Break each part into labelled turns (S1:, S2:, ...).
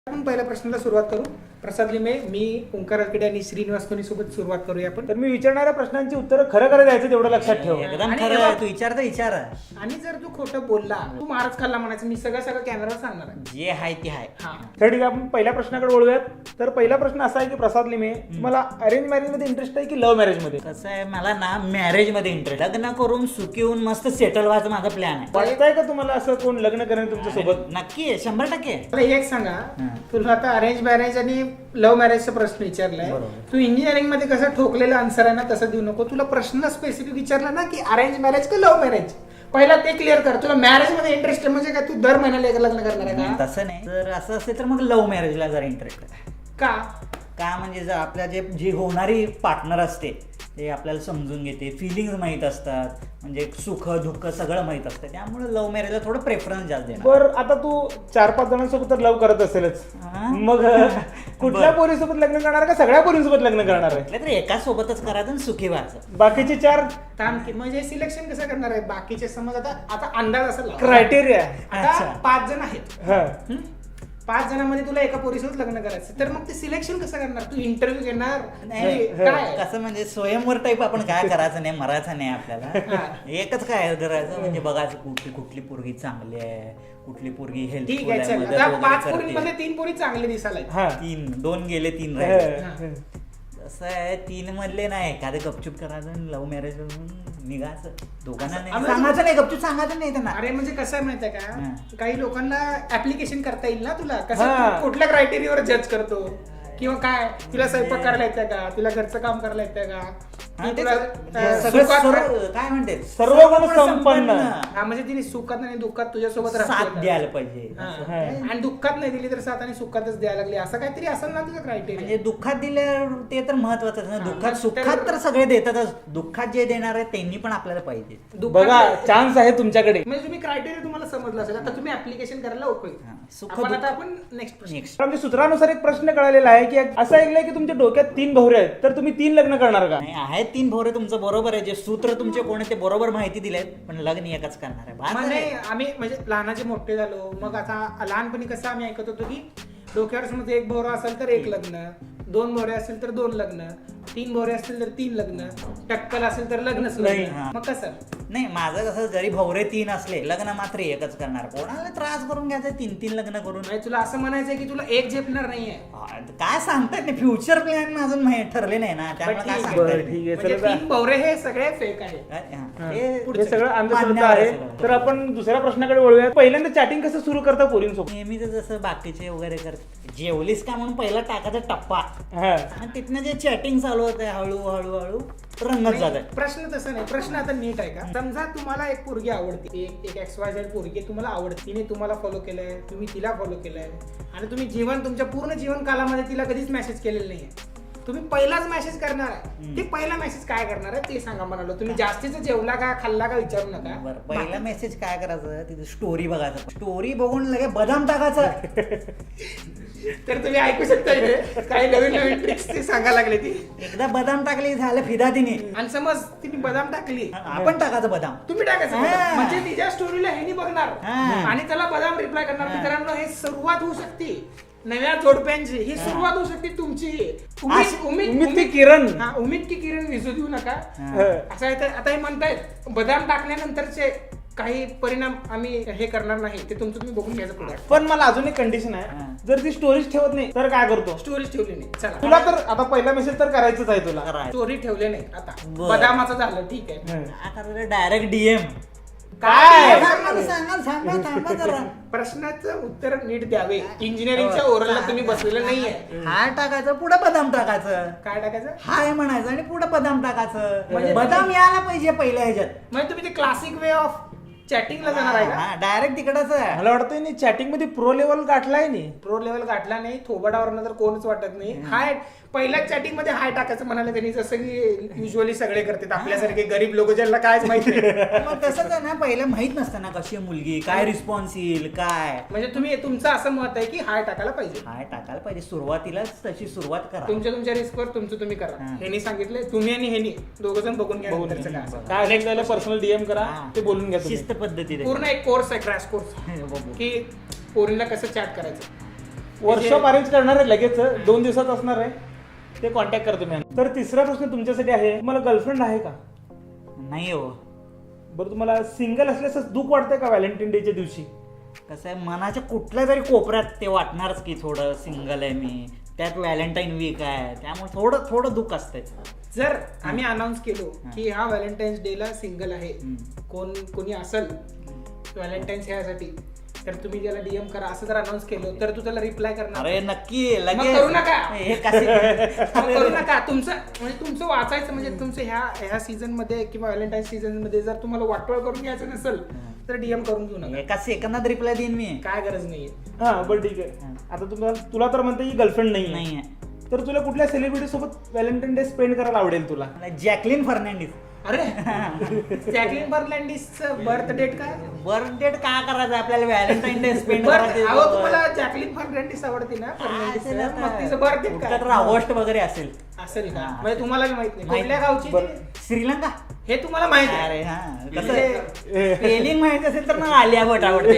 S1: आपण पहिल्या प्रश्नाला सुरुवात करू. प्रसाद लिमे, मी ओंकार अडकडे आणि श्रीनिवास कोणी सोबत सुरुवात करूया आपण.
S2: तर मी विचारणाऱ्या प्रश्नांची उत्तरं खरं खरं द्यायचं तेवढं लक्षात ठेव.
S3: एकदम
S1: आणि
S3: खरं
S1: एवढं-
S3: तू विचार
S1: आणि जर तू खोटं बोलला तू मारच खाल्ला म्हणायचं. मी सगळं कॅमेरावर सांगणार आहे.
S3: जे आहे ते आहे.
S1: हा,
S2: तर ठीक आहे, आपण पहिल्या प्रश्नाकडे वळूयात. तर पहिला प्रश्न असा आहे की प्रसाद लिमे, तुम्हाला अरेंज मॅरेज मध्ये इंटरेस्ट आहे की लव्ह मॅरेज मध्ये?
S3: कसं आहे, मला ना मॅरेज मध्ये इंटरेस्ट. लग्न करून सुखी होऊन मस्त सेटल व्हायचं माझा प्लॅन आहे.
S2: वाटतंय का तुम्हाला असं कोण लग्न करेल तुमच्या सोबत?
S3: नक्की आहे, 100%.
S1: मला एक सांगा, तुला आता अरेंज मॅरेज आणि लव्ह मॅरेजचा प्रश्न विचारलाय.
S3: बरोबर.
S1: तू इंजिनिअरिंग मध्ये कसं ठोकलेला आन्सर आहे ना तसं देऊ नको. तुला प्रश्न स्पेसिफिक विचारला ना की अरेंज मॅरेज का लव्ह मॅरेज, पहिला ते क्लिअर कर. तुला मॅरेज मध्ये इंटरेस्ट आहे म्हणजे काय तू दर महिन्याला एक लग्न करणार आहे का?
S3: तसं नाही. जर असं असेल तर मग लव्ह मॅरेजला जरा इंटरेस्ट आहे.
S1: का?
S3: का म्हणजे जर आपल्या जी होणारी पार्टनर असते ते आपल्याला समजून घेते, फिलिंग्स माहीत असतात, म्हणजे सुख दुःख सगळं माहीत असतं, त्यामुळे लव्ह मॅरेजला थोडं प्रेफरन्स जास्त देणार.
S2: बरं, आता तू 4-5 जणांसोबत तर लव्ह करत असेलच,
S3: हा?
S2: मग कुठल्या पोरीसोबत लग्न करणार का सगळ्या पोरींसोबत लग्न करणार आहे?
S3: म्हटलं तर एका सोबतच करायचं आणि सुखी व्हायचं.
S2: बाकीचे 4
S1: म्हणजे सिलेक्शन कसं करणार आहे? बाकीचे समज आता अंदाज असेल
S2: क्रायटेरिया.
S1: आता
S3: अच्छा.
S1: 5 जण आहेत.
S2: हा,
S1: 5 जणांमध्ये तुला एका पोरीसोबत लग्न करायचं, तर मग ते सिलेक्शन कसं करणार? तू इंटरव्ह्यू घेणार
S3: नाही,
S1: काय?
S3: कसं म्हणजे स्वयंवर टाईप आपण काय करायचं नाही, मरायचं नाही आपल्याला.
S1: हा.
S3: एकच काय करायचं म्हणजे बघायचं कुठली पोरगी चांगली आहे, कुठली पोरगी
S1: ठीक
S3: हेल्पफुल
S1: आहे,
S3: आहे,
S1: चल.
S3: मदत
S1: आता
S3: वगैरे
S1: 5
S3: करते.
S1: पोरींमध्ये 3 पोरी चांगली दिसायला आहेत.
S2: हा.
S3: 2 गेले 3
S2: हा,
S3: राहिले.
S2: हा.
S3: कसं आहे, 3 मधले नाही एखादं गपचूप करायचं, लव्ह मॅरेज निघायचं. दोघांना नाही
S1: आम्हाला-
S3: सांगायचं नाही, गपचूप सांगायचं नाही त्यांना.
S1: अरे म्हणजे कसं आहे माहितीये
S3: हा.
S1: का, काही लोकांना ऍप्लिकेशन करता येईल ना तुला. कसं
S2: हा.
S1: तू कुठल्या क्रायटेरियावर जज करतो किंवा काय, तुला स्वयंपाक करायला येतं का, तुला घरचं काम करायला येतं का,
S3: हा,
S1: की
S3: ते
S1: तुला
S3: सगळं
S1: सुखात
S3: काय म्हणते,
S2: सर्व गुण संपन्न.
S1: हा, म्हणजे तिने सुखात आणि दुःखात तुझ्यासोबत राहते
S3: साथ
S1: का?
S3: द्यायला पाहिजे.
S1: हा.
S2: हा.
S1: आणि दुःखात नाही दिली तर साथ आणि सुखातच द्यायला लागली, असं काहीतरी असेल ना तुझं क्रायटेरिया.
S3: म्हणजे दुःखात दिल्यावर ते तर महत्वाचं ना.
S1: हा,
S3: दुःखात
S1: मग
S3: सुखात तर सगळे देतातच. दुःखात जे देणार आहे त्यांनी पण आपल्याला पाहिजे.
S2: बघा, चान्स आहे तुमच्याकडे.
S1: म्हणजे तुम्ही क्रायटेरिया तुम्हाला समजलं असेल. आता तुम्ही ऍप्लिकेशन करायला उपयोग.
S3: हा. सुख
S1: आपण
S3: दुःख-
S1: आता आपण नेक्स्ट प्रश्न.
S3: नेक्स्ट
S2: आमच्या सूत्रानुसार एक प्रश्न कळालेला आहे की असं ऐकलंय की तुमच्या डोक्यात 3 भवरे आहेत, तर तुम्ही 3 लग्न करणार का?
S3: नाही, आहे 3 भोरे तुमचं बरोबर आहे. जे सूत्र तुमचे कोण आहे ते बरोबर माहिती दिलेत, पण लग्न एकच करणार आहे. बास
S1: म्हणजे
S3: आहे.
S1: आम्ही म्हणजे लहानाचे मोठे झालो. मग आता लहानपणी कसं आम्ही ऐकत होतो की डोक्यावर समज 1 भोवरा असेल तर 1 लग्न, 2 भोवरे असेल तर 2 लग्न, 3 भोवरे असतील तर 3 लग्न, टक्कल असेल तर लग्नच
S2: नाही.
S1: लग्न.
S3: हा.
S1: मग कसं?
S3: नाही, माझं कसं, जरी भवरे 3 असले लग्न मात्र एकच करणार. कोणाला त्रास करून घ्यायचं 3 लग्न करून?
S1: म्हणजे तुला असं म्हणायचंय की तुला एक झेपणार नाहीये.
S3: काय सांगतायत नाही, फ्युचर प्लॅन अजून ठरले नाही ना, त्यामुळे
S1: बरं,
S3: काय
S1: ठीक आहे.
S3: सांगतायत
S2: बरं, ठीक आहे.
S1: म्हणजे
S2: चला.
S1: 3 भोवरे हे सगळे फेक आहे.
S3: काय? हा.
S2: हा.
S3: हे
S2: हे सगळं अंधश्रद्धा
S3: मान्यवर
S2: आहे.
S3: सगळं.
S2: तर आपण दुसऱ्या प्रश्नाकडे वळूया. पहिल्यांदा चॅटिंग कसं सुरू करता पोरींसोबत?
S3: नेहमीच जसं बाकीचे वगैरे करतात, जेवलीस का म्हणून पहिला टाकायचा टप्पा,
S2: हा.
S3: आणि तिथनं जे चॅटिंग चालू होते हळूहळू रंगत जात आहे.
S1: प्रश्न तसं नाही. प्रश्न आता नीट आहे का? समजा तुम्हाला एक पोरगी आवडते, एक XYZ पोरगी तुम्हाला आवडते, तिने तुम्हाला फॉलो केलंय, तुम्ही तिला फॉलो केलंय, आणि तुम्ही तुमच्या पूर्ण जीवन कालामध्ये तिला कधीच मेसेज केलेला नाहीये. तुम्ही पहिलाच मेसेज करणार आहे. ते पहिला मेसेज काय करणार आहे ते सांगा म्हणालो. तुम्ही जास्तीचं जेवला का खाल्ला का विचारू नका.
S3: बरं, पहिला मेसेज काय करायचं, तिथे स्टोरी बघायचं. स्टोरी बघून लगे बदाम टाकायचं.
S1: तर तुम्ही ऐकू शकता इथे काही नवीन ट्रिक्स ती सांगायला लागले ती.
S3: एकदा बदाम टाकली झालं फिदा तिने.
S1: आणि समज तिने बदाम टाकली,
S3: आपण टाकायचं बदाम.
S1: तुम्ही टाकायचं
S3: हा.
S1: बदाम. म्हणजे तिच्या स्टोरीला ह्यानी बघणार
S3: हा.
S1: आणि त्याला बदाम रिप्लाय करणार.
S3: हा.
S1: मित्रांनो, हे सुरुवात होऊ शकते नव्या जोडप्यांची. ही सुरुवात होऊ शकते तुमची.
S2: उम्मीद की किरण.
S1: हा, उम्मीद की किरण विसू देऊ नका.
S3: हा.
S1: असं आहे. आता हे म्हणतायत बदाम टाकल्यानंतरचे काही परिणाम आम्ही हे करणार नाही, ते तुमचं तुम्ही बघून घ्यायचं पुढे.
S2: पण मला अजून एक कंडिशन आहे,
S3: हा.
S2: जर ती स्टोरीज ठेवत नाही तर काय करतो?
S1: स्टोरीज ठेवली नाही. चला,
S2: तुला तर आता पहिला मेसेज तर करायचंच आहे तुला.
S3: करायचं.
S1: स्टोरी ठेवले नाही. आता
S3: बरं.
S1: बदामाचं झालं, ठीक आहे.
S2: हा.
S3: Direct DM.
S2: काय?
S3: थांबा जरा.
S1: प्रश्नाचं उत्तर नीट द्यावे. इंजिनिअरिंगच्या ओरलला तुम्ही बसलेलं नाहीये.
S3: हाय टाकायचं, पुढे बदाम टाकायचं.
S1: काय टाकायचं?
S3: हाय म्हणायचं आणि पुढे बदाम टाकायचं.
S1: म्हणजे
S3: बदाम यायला पाहिजे पहिल्या ह्याच्यात.
S1: म्हणजे तुम्ही ते क्लासिक वे ऑफ चॅटिंगला जाणार आहे का?
S3: डायरेक्ट तिकडच आहे.
S2: मला वाटतं नाही चॅटिंग मध्ये प्रो लेवल गाठलाय नाही.
S1: प्रो लेवल गाठला नाही, थोबाडावर तर कोणच वाटत नाही. हाय पहिल्याच चॅटिंग मध्ये हाय टाकायचं म्हणाले त्यांनी, जसं की युजली सगळे करतात आपल्यासारखे गरीब लोक ज्यांना कायच माहिती नाही.
S3: मग तसंच आहे ना, पहिलं माहित नसतं ना कशी आहे मुलगी, काय रिस्पॉन्स येईल काय.
S1: म्हणजे तुम्ही तुमचं असं मत आहे की हाय टाकायला पाहिजे.
S3: हाय टाकायला पाहिजे, सुरुवातीलाच तशी सुरुवात करा.
S1: तुमच्या रिस्कवर तुमचं तुम्ही करा.
S3: हा.
S1: ह्यांनी सांगितलंय, तुम्ही आणि ह्यांनी दोघं जण बघून घ्या नंतरचं काय असेल.
S2: काय अनेक त्याला पर्सनल DM करा,
S3: हा.
S2: ते बोलून घ्या तुम्ही.
S3: शिस्त पद्धतीने.
S1: पूर्ण एक कोर्स आहे, क्रॅश कोर्स,
S3: बघू.
S1: की पोरीला कसं चॅट करायचं.
S2: वर्कशॉप अरेंज करणार आहे लगेच 2 दिवसात असणार आहे, ते कॉन्टॅक्ट करतो मी. तर तिसरा प्रश्न तुमच्यासाठी आहे, तुम्हाला गर्लफ्रेंड आहे का?
S3: नाही हो.
S2: बरं, तुम्हाला सिंगल असल्याचं दुःख वाटतंय का व्हॅलेंटाईन डेच्या दिवशी?
S3: कसं आहे, मनाच्या कुठल्या तरी कोपऱ्यात ते वाटणारच की थोडं सिंगल आहे मी, त्यात व्हॅलेंटाईन वीक आहे, त्यामुळे थोडं थोडं दुःख असतंय.
S1: जर आम्ही अनाऊन्स केलो की हा व्हॅलेंटाईन्स डे ला सिंगल आहे, कोणी असेल व्हॅलेंटाईन्स ह्यासाठी, तर तुम्ही त्याला डीएम करा असं जर अनाऊन्स केलं तर तू त्याला रिप्लाय करणार?
S3: अरे नक्की
S1: मग
S3: लगेच
S1: करू नका.
S3: हे कसे
S1: मग करू नका. तुमचं वाचायचं म्हणजे तुमचं ह्या सीझन मध्ये किंवा व्हॅलेंटाईन सीझन मध्ये जर तुम्हाला वाटोळ करून घ्यायचं नसेल तर डीएम करून घेऊ नका.
S3: एका सेकंदात रिप्लाय देईन मी.
S1: काय गरज नाहीये.
S2: हा बरं ठीक आहे. आता तुला तर म्हणते की गर्लफ्रेंड नाही
S3: नाही
S2: तर तुला कुठल्या सेलिब्रिटी सोबत व्हॅलेंटाईन डे स्पेंड करायला आवडेल तुला?
S3: आहे. Jacqueline Fernandez.
S1: अरे जॅकलिन फर्नांडिसचं बर्थ डेट काय?
S3: बर्थ डेट का करायचं आपल्याला, व्हॅलेंटाईन डे स्पेंड
S1: अहो तुम्हाला जॅकलिन फर्नांडिस आवडते ना? फर्नांडिस मग तिचं बर्थ डेट काय
S3: ऑगस्ट वगैरे असेल
S1: असेल का? म्हणजे तुम्हाला माहित नाही कुठल्या गावची ती?
S3: श्रीलंका.
S1: हे तुम्हाला माहित आहे?
S3: अरे हा कसं स्पेलिंग माहिती असेल तर मग आलिया भट आवडते.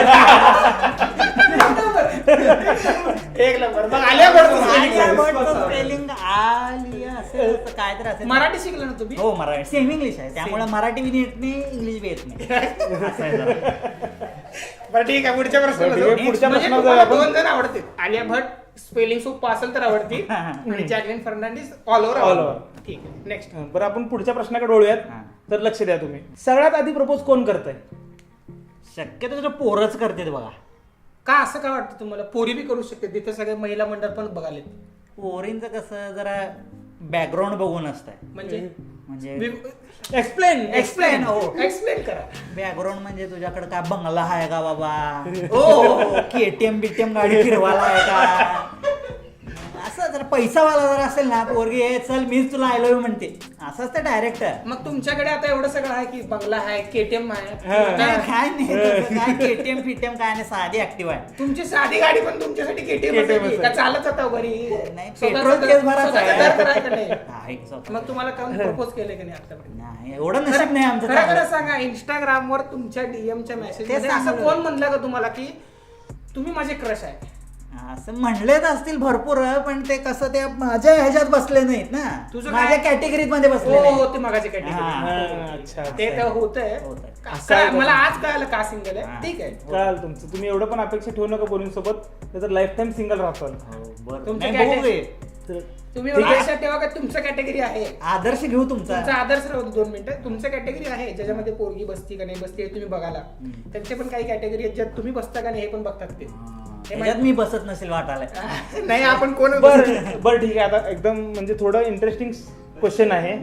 S1: एक नंबर. मग आलिया भट
S3: आलिया भटचं स्पेलिंग आलिया असेल तर काय तर असेल.
S1: मराठी शिकलं ना तुम्ही?
S3: हो मराठी सेम इंग्लिश आहे, त्यामुळे मराठी बी येत नाही, इंग्लिश बी येत नाही. असं आहे जरा.
S1: बरं ठीक आहे. पुढच्या प्रश्नाला
S2: बरं, ठीक आहे.
S1: जाऊ.
S2: पुढच्या
S1: म्हणजे
S2: प्रश्नाला
S1: तुम्हाला
S2: जाऊ आपण.
S1: 2 जण आवडते, आलिया भट स्पेलिंग सोपं असेल तर आवडती आणि Jacqueline Fernandez all over
S2: All over.
S1: ठीक आहे. नेक्स्ट.
S2: बरं, आपण पुढच्या प्रश्नाकडे वळूयात.
S3: हा.
S2: तर लक्ष द्या तुम्ही. सगळ्यात आधी प्रपोज कोण करतंय?
S3: शक्यतो तुझं पोरच करते बघा.
S1: का असं काय वाटतं तुम्हाला? पोरी बी करू शकते, तिथे सगळे महिला मंडळ पण बघाले.
S3: पोरींचं कसं जरा बॅकग्राऊंड बघून असतंय,
S1: म्हणजे
S2: एक्सप्लेन
S1: एक्सप्लेन
S3: हो.
S1: एक्सप्लेन करा.
S3: बॅकग्राऊंड म्हणजे तुझ्याकडे काय बंगला आहे का बाबा,
S1: ओ
S3: केटीएम बीटीएम गाडी फिरवायला आहे का, असं जर पैसावाला जर असेल ना पोरगी, "ए, चल मीच तुला आय लव्ह म्हणते", असंच ते डायरेक्ट.
S1: मग तुमच्याकडे आता एवढं सगळं आहे की बंगला आहे, केटीएम आहे,
S3: काय नाही तसं काय केटीएम फिटीएम काय नाही, साधी ऍक्टिव्ह आहे.
S1: तुमची साधी गाडी पण तुमच्यासाठी केटीएम
S2: KTM
S1: का चालत जाता घरी?
S3: नाही,
S1: स्वतःचं
S3: पेट्रोल तेच भरायचं
S1: स्वतःचं
S3: आहे.
S1: घर तर आहे का नाही?
S3: आहे स्वतः.
S1: मग तुम्हाला काम प्रपोज केले की नाही आतापर्यंत?
S3: नाही एवढं नशीब नाही आमचं
S1: खरं खरं
S3: चांगलं.
S1: सांगा, इंस्टाग्रामवर तुमच्या डीएमच्या मेसेज
S3: ते
S1: असं
S3: सांगू
S1: कोण म्हणलं का तुम्हाला की तुम्ही माझे क्रश आहे?
S3: असं म्हणलेच असतील भरपूर, पण ते कसं ते माझ्या ह्याच्यात बसले नाहीत ना,
S1: तुझं
S3: माझ्या
S1: काय?
S3: कॅटेगरीत मध्ये बसले
S1: हो
S3: नाही.
S1: हो, ते मागाचे
S3: हा.
S1: कॅटेगरी.
S2: अच्छा,
S1: ते तर होतंय.
S3: होतंय.
S2: असं आहे का?
S1: मला आज कळालं का सिंगल आहे.
S3: हा.
S1: ठीक आहे.
S2: चाल तुमचं. तुम्ही एवढं पण अपेक्षा ठेवू नका पोरींसोबत, त्याचं लाईफ टाईम सिंगल राहताल.
S3: हो, बरं.
S1: तुमच्या
S3: नाही, बघू
S1: category-
S3: की.
S2: तर
S1: तुम्ही
S2: ठीक आहे.
S1: लक्षात ठेवा का तुमचं कॅटेगरी आहे.
S3: आदर्श घेऊ तुमचा.
S1: तुमचा आदर्श राहतो. 2 मिनिटं. तुमचं कॅटेगरी आहे ज्याच्यामध्ये पोरगी बसती का नाही बसती हे तुम्ही बघाला. त्यांचे पण काही कॅटेगरी आहेत ज्यात तुम्ही बसता का नाही हे पण बघतात ते. हे
S3: ह्याच्यात मी बसत नसेल वाटायला.
S1: नाही आपण कोण
S2: बरं ठीक आहे. आता एकदम म्हणजे थोडं इंटरेस्टिंग क्वेश्चन आहे.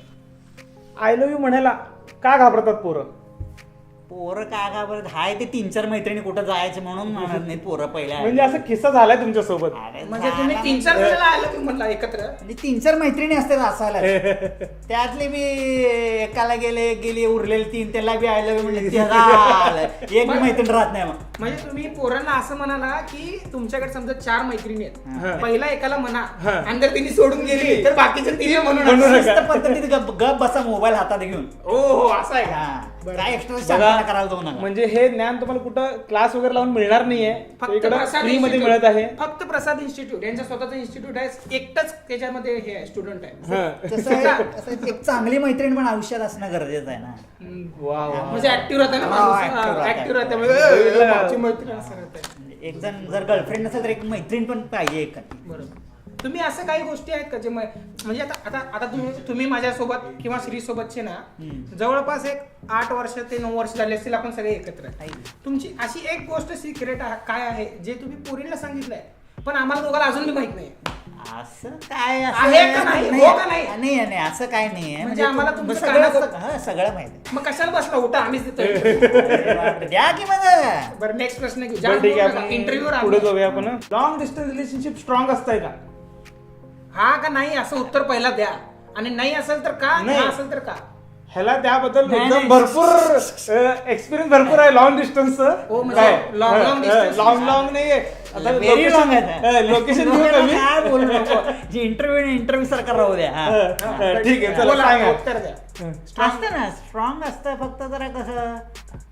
S2: आय लव्ह यू म्हणायला का घाबरतात पोरं?
S3: पोरं काय घाबरत हाय ते 3-4 मैत्रिणी कुठं जायचं म्हणून म्हणत नाही पोरं पहिल्या.
S2: म्हणजे असं किस्सा झालाय तुमच्यासोबत?
S3: अरे
S1: म्हणजे
S3: झाला
S1: तुम्ही 3-4 वेळेला आलं तुम्ही म्हणला एकत्र.
S3: म्हणजे 3-4 मैत्रिणी असतात असायला. त्यातले मी एकाला गेली उरलेले 3 त्याला बी आय लव्ह म्हणले, ते झालं. एक बी मैत्रीण राहत नाही मग.
S1: म्हणजे तुम्ही पोरांना असं म्हणाला की तुमच्याकडे समजा 4 मैत्रिणी
S2: हा.
S1: आहेत, पहिला एकाला म्हणा
S2: हा.
S1: आणि जर तिने सोडून गेली तर बाकीचे तिने
S2: म्हणू
S1: म्हणून
S2: नका.
S3: शिस्त पद्धतीत गप बसा मोबाईल हातात घेऊन.
S1: हो हो असं आहे का?
S3: हा.
S1: बरं.
S3: काय एक्स्ट्रा
S2: बघा,
S3: शांतपणा करायला जाऊ नका.
S2: म्हणजे हे ज्ञान तुम्हाला कुठं क्लास वगैरे लावून मिळणार नाहीये.
S1: फक्त
S2: इकडं
S1: प्रसाद
S2: फ्री मध्ये
S1: इन्स्टिट्यूट.
S2: मिळत आहे.
S1: फक्त प्रसाद इन्स्टिट्यूट यांचं स्वतःचं इन्स्टिट्यूट आहे. एकटच त्याच्यामध्ये हे आहे स्टुडंट आहे.
S2: हा.
S3: कसं आहे, कसं आहे, एक चांगली मैत्रीण पण आयुष्यात असणं गरजेचं आहे ना.
S2: वा वा.
S1: म्हणजे ऍक्टिव्ह राहते ना
S3: हा, active राहते.
S1: ऍक्टिव्ह राहते म्हणजे माझी मैत्रीण असं राहते.
S3: म्हणजे एक जण जर गर्लफ्रेंड नसेल तर एक मैत्रीण पण पाहिजे एक.
S1: बरोबर. तुम्ही असं काही गोष्टी आहेत का जे म्हणजे आता आता आता तुम्ही माझ्यासोबत किंवा श्री सोबतचे ना जवळपास एक 8 वर्ष ते 9 वर्ष झाले असतील आपण सगळे एकत्र. तुमची अशी एक गोष्ट सिक्रेट काय आहे जे तुम्ही पोरीला सांगितलंय पण आम्हाला दोघांना अजून बी माहित नाही?
S3: असं काय
S1: आहे का नाही? हो का नाही?
S3: नाही असं काय नाही
S1: म्हणजे आम्हाला तुमचं
S3: सगळं
S1: कानाचं-
S3: हा, सगळं माहिती
S1: मग कशाला बसला उठा आम्हीच देतो.
S3: आहे. द्या की मग.
S1: बरं नेक्स्ट प्रश्न घेऊ.
S2: बरं, ठीक आहे. आपण
S1: इंटरव्ह्यू
S2: पुढे जाऊया आपण. लॉंग डिस्टन्स रिलेशनशिप स्ट्रॉंग असतंय का?
S1: हा का नाही असं उत्तर पहिला द्या आणि नाही असेल तर का,
S2: नाही.
S1: हा असेल तर का.
S2: ह्याला त्याबद्दल
S3: नाही,
S2: एकदम
S3: नाही.
S2: भरपूर एक्सपिरियन्स भरपूर आहे लॉंग डिस्टन्स.
S1: हो, म्हणजे long distance.
S2: लॉंग नाहीये. आता
S3: Very long आहे.
S2: लोकेशन घेऊ का मी?
S3: काय बोलू नको. जे इंटरव्ह्यू सारखा राहू द्या. हा.
S2: ठीक आहे, चला
S1: बोला,
S2: सांगा.
S1: उत्तर द्या.
S3: असतं ना स्ट्रॉंग असतं, फक्त जरा कसं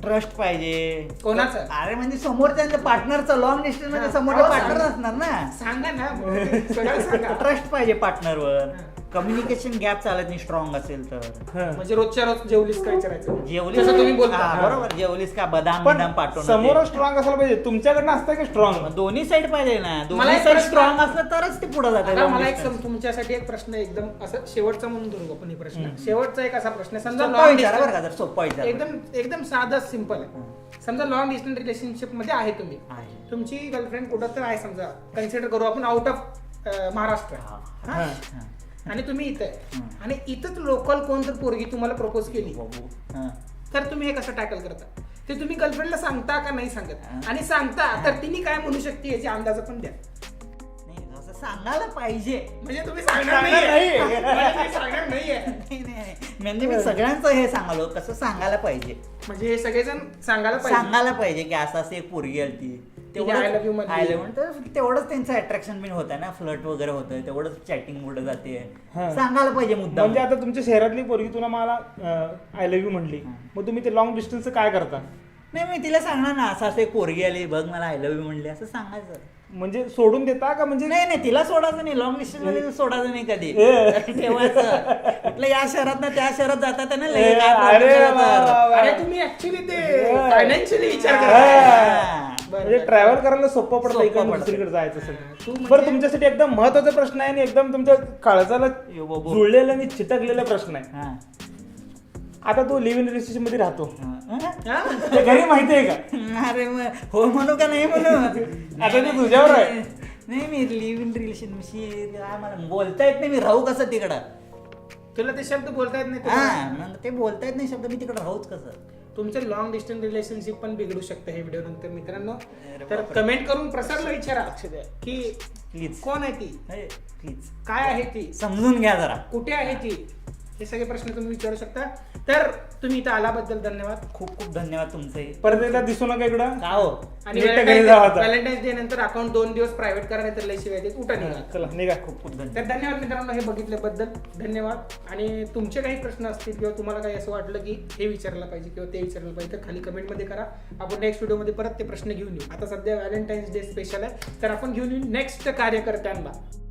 S3: ट्रस्ट पाहिजे.
S1: कोणाचं?
S3: अरे म्हणजे समोरच्या पार्टनरचं, लॉंग डिस्टन्स मध्ये समोरचा पार्टनर असणार ना.
S1: सांगा ना सगळं सांगा.
S3: ट्रस्ट पाहिजे पार्टनरवर. कम्युनिकेशन गॅप चालत नाही स्ट्रॉंग असेल तर.
S1: म्हणजे रोजच्या रोज जेवलीस काय विचारायचं,
S3: जेवलीस
S1: जसं तुम्ही बोलता.
S3: हा, बरोबर. जेवलीस का बदाम
S2: पण
S3: बिदाम पाठवून
S2: समोर स्ट्रॉंग असायला पाहिजे. तुमच्याकडनं असतं की स्ट्रॉंग?
S3: दोन्ही साईड पाहिजे ना.
S1: मला
S3: दोन्ही
S1: एक
S3: साईड
S1: प्रश्न-
S3: स्ट्रॉंग असलं तरच ते पुढे
S1: आता
S3: जाते.
S1: मला एक तुमच्यासाठी एक प्रश्न एकदम असं शेवटचा म्हणून धरू आपण हे प्रश्न. शेवटचा एक असा प्रश्न आहे, समजा
S3: सोपा
S1: long
S3: विचार बरं का,
S1: distance-
S3: जर सोपा विचार.
S1: एकदम एकदम साधा सिंपल आहे. समजा लॉंग डिस्टन्स रिलेशनशिप मध्ये आहे तुम्ही,
S3: आहे.
S1: तुमची गर्लफ्रेंड कुठं तर आहे, समजा कन्सिडर करू आपण आउट ऑफ महाराष्ट्र,
S3: हा.
S1: हा?
S2: हा.
S1: आणि तुम्ही इथे आहे. आणि इथंच लोकल कोणतर पोरगी तुम्हाला प्रपोज केली,
S3: बाबू. हा.
S1: तर तुम्ही हे कसं टॅकल करता? ते तुम्ही गर्लफ्रेंडला सांगता का नाही सांगत? आणि सांगता तर तिने काय म्हणू शकते याची अंदाज पण द्या.
S3: नाही, असं सांगायला पाहिजे.
S1: म्हणजे तुम्ही सांगणार
S2: सांगणार
S1: नाहीये.
S2: नाहीये.
S1: म्हणजे तुम्ही सांगणार नाहीये.
S3: नाही. म्हणजे मी सगळ्यांचं हे सांगालो कसं सांगायला पाहिजे.
S1: म्हणजे हे सगळेजण सांगायला पाहिजे.
S3: सांगायला पाहिजे की असं असं एक पोरगी आलती.
S1: I love you म्हणते.
S3: I love you तर तेवढंच त्यांचं अट्रॅक्शन बिन होतं ना, फ्लर्ट वगैरे होतं, तेवढंच चॅटिंग पुढे जाते.
S2: हा.
S3: सांगायला पाहिजे मुद्दा.
S2: म्हणजे आता तुमच्या शहरातली पोरगी तुला मला आय लव्ह यू म्हणली, मग तुम्ही ते लॉंग डिस्टन्सचं काय करता?
S3: नाही मी तिला सांगणार ना, असं असं एक पोरगी आली बघ, मला आय लव्ह यू म्हणली, असं सांगायचं.
S2: म्हणजे सोडून देता का? म्हणजे
S3: नाही तिला सोडायचं नाही, लॉंग डिस्टन्स मध्ये सोडायचं नाही कधी. ठेवायचं कुठलं या शहरात ना त्या शहरात जातात ना लगेच काय
S2: अरे
S3: problem झाला
S2: वा,
S3: तर.
S2: वा, वा.
S1: अरे तुम्ही ऍक्च्युली ते फायनान्शियली विचार
S2: हा.
S1: करता. बरं,
S2: म्हणजे
S1: बरं.
S2: ट्रॅव्हल करायला सोपं पडतं,
S3: सोपं
S2: इकडून
S3: पडतं.
S2: दुसरीकडे जायचं असेल.
S1: तू म्हणजे-
S2: बरं, तुमच्यासाठी एकदम महत्वाचा प्रश्न आहे आणि एकदम तुमच्या काळजाला
S3: यो बाबू.
S2: जुळलेला आणि चिटकलेला प्रश्न आहे.
S3: हा.
S2: आता तू लिव्ह इन रिलेशनशिप मध्ये राहतो,
S3: हा.
S1: हा?
S2: ते घरी माहिती आहे का?
S3: अरे मग हो म्हणू का नाही म्हणू?
S2: आता ते तुझ्यावर आहे.
S3: नाही मी लिव्ह इन रिलेशनशिप मला बोलता येत नाही, मी राहू कसं तिकडं?
S1: तुला ते शब्द बोलता येत नाही
S3: हा
S1: तुला?
S3: मग ते बोलता येत नाही शब्द, मी तिकडं राहूच कसं?
S1: तुमचं लॉंग डिस्टन्स रिलेशनशिप पण बिघडू शकतं हे व्हिडिओ नंतर मित्रांनो.
S3: अरे
S1: तर
S3: बापरे.
S1: कमेंट करून प्रसारला विचारा की
S3: प्लीज
S1: कोण आहे ती,
S3: प्लीज
S1: काय आहे ती,
S3: समजून घ्या जरा.
S1: कुठे आहे ती, हे सगळे प्रश्न तुम्ही विचारू शकता. तर तुम्ही इथं आल्याबद्दल धन्यवाद.
S3: खूप खूप धन्यवाद तुमचे.
S2: परत एकदा दिसू नका इकडं.
S3: का हो?
S1: आणि
S2: नीट घरी जावा आता.
S1: व्हॅलेंटाईन्स डे नंतर अकाउंट 2 दिवस प्रायव्हेट करा, नाही तर लय शिवाय देत. उठा निघा.
S2: चला निघा.
S3: खूप खूप धन्यवाद.
S1: तर धन्यवाद मित्रांनो हे बघितल्याबद्दल. धन्यवाद. आणि तुमचे काही प्रश्न असतील किंवा तुम्हाला काही असं वाटलं की हे विचारलं पाहिजे किंवा ते विचारलं पाहिजे, तर खाली कमेंटमध्ये करा. आपण नेक्स्ट व्हिडिओमध्ये परत ते प्रश्न घेऊन येऊ. आता सध्या व्हॅलेंटाईन्स डे स्पेशल आहे, तर आपण घेऊन येऊ नेक्स्ट कार्यकर्त्यांना.